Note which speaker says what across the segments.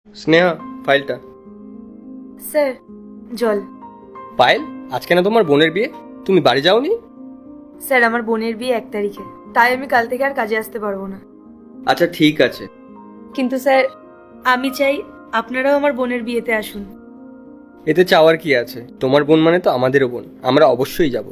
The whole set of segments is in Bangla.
Speaker 1: স্নেহা, ফাইলটা।
Speaker 2: স্যার, জল।
Speaker 1: পায়েল, আজকে না তোমার বোনের বিয়ে, তুমি বাড়ি যাওনি?
Speaker 2: স্যার, আমার বোনের বিয়ে 1 তারিখে, তাই আমি কাল থেকে আর কাজে আসতে পারবো না।
Speaker 1: আচ্ছা ঠিক আছে।
Speaker 2: কিন্তু স্যার, আমি চাই আপনারাও আমার বোনের বিয়েতে আসুন।
Speaker 1: এতে চাওয়ার কি আছে? তোমার বোন মানে তো আমাদেরও বোন, আমরা অবশ্যই যাব।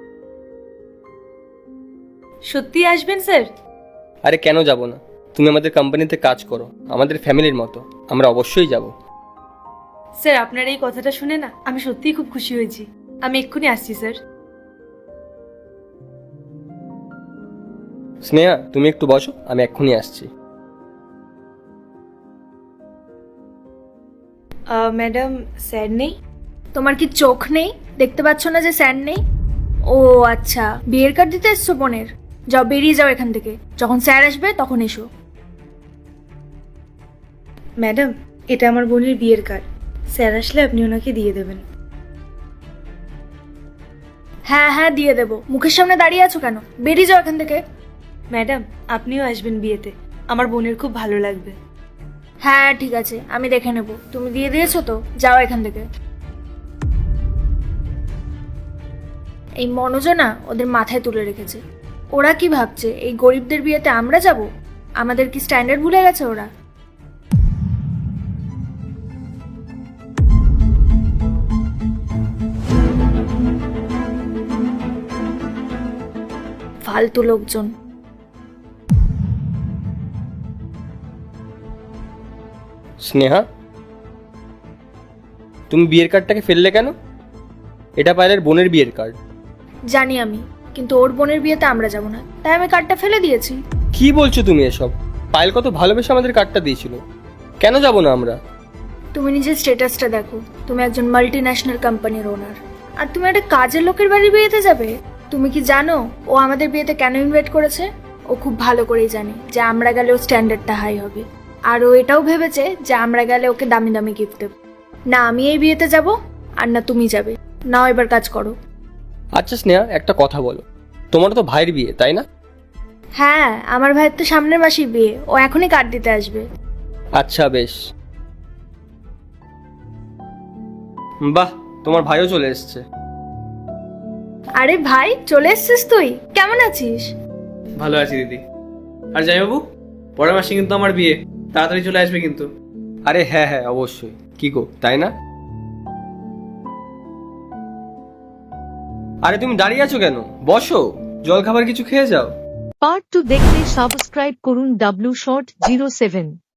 Speaker 2: সত্যি আসবেন স্যার?
Speaker 1: আরে কেন যাব না? তুমি আমাদের কোম্পানিতে কাজ করো, আমাদের ফ্যামিলির মতো, আমরা অবশ্যই যাব।
Speaker 2: স্যার, আপনার এই কথাটা শুনে না আমি সত্যিই খুব খুশি হয়েছি। আমি এক্ষুনি আসছি স্যার।
Speaker 1: স্নেহা, তুমি একটু বসো, আমি এক্ষুনি আসছি।
Speaker 2: ম্যাডাম, স্যার নেই? তোমার কি চোখ নেই? দেখতে পাচ্ছ না যে স্যার নেই? ও আচ্ছা, বিয়ের কার্ড দিতে এসছো বোনের? যাও, বেরিয়ে যাও এখান থেকে, যখন স্যার আসবে তখন এসো। ম্যাডাম, এটা আমার বোনের বিয়ের কার্ড, স্যার আসলে আপনি ওনাকে দিয়ে দেবেন। হ্যাঁ হ্যাঁ, দিয়ে দেবো। মুখের সামনে দাঁড়িয়ে আছো কেন? বেরিয়ে যাও এখান থেকে। ম্যাডাম, আপনিও আসবেন বিয়েতে, আমার বোনের খুব ভালো লাগবে। হ্যাঁ ঠিক আছে, আমি দেখে নেব। তুমি দিয়ে দিয়েছো তো, যাও এখান থেকে। এই মনোজ না ওদের মাথায় তুলে রেখেছে। ওরা কি ভাবছে এই গরিবদের বিয়েতে আমরা যাব? আমাদের কি স্ট্যান্ডার্ড ভুলে গেছে ওরা? ফালতু লোকজন।
Speaker 1: স্নেহা, তুমি বিয়ের কার্ডটাকে ফেললে কেন? এটা পায়েলের বোনের বিয়ের কার্ড।
Speaker 2: জানি আমি, কিন্তু ওর বোনের বিয়েতে আমরা যাব না, তাই আমি কার্ডটা ফেলে দিয়েছি।
Speaker 1: কি বলছো তুমি এসব? পায়েল কত ভালোবেসে আমাদের কার্ডটা দিয়েছিল, কেন যাব না আমরা?
Speaker 2: তুমি নিজের স্ট্যাটাসটা দেখো, তুমি একজন মাল্টি ন্যাশনাল কোম্পানির ওনার, আর তুমি একটা কাজের লোকের বাড়ির বিয়েতে যাবে? তুমি কি জানো ও আমাদের বিয়েতে কেন ইনভাইট করেছে? ও খুব ভালো করেই জানে যে আমরা গেলে ওর স্ট্যান্ডার্ডটা হাই হবে, আর ও এটাও ভেবেছে যে আমরা গেলে ওকে দামি দামি গিফট দেব। না আমি এই বিয়েতে যাব, আর না তুমি যাবে। নাও এবার কাজ করো।
Speaker 1: আচ্ছা স্নেহা, একটা কথা বলো, তোমার তো ভাইয়ের বিয়ে তাই না?
Speaker 2: হ্যাঁ, আমার ভাইয়ের তো সামনের মাসেই বিয়ে, ও এখনই কার্ড দিতে আসবে।
Speaker 1: আচ্ছা বেশ। বাহ, তোমার ভাইও চলে এসেছে।
Speaker 2: আরে ভাই, চলে এসছিস তুই? কেমন আছিস?
Speaker 3: ভালো আছি দিদি। আর যাই বাবু, পরের মাসে কিন্তু আমার বিয়ে, তাড়াতাড়ি চলে আসবে কিন্তু।
Speaker 1: আরে হ্যাঁ হ্যাঁ, অবশ্যই। কি গো, তাই না? আরে তুমি দাঁড়িয়ে আছো কেন? বসো, জল খাবার কিছু খেয়ে যাও।
Speaker 4: পার্ট 2 দেখতে সাবস্ক্রাইব করুন W Short 07।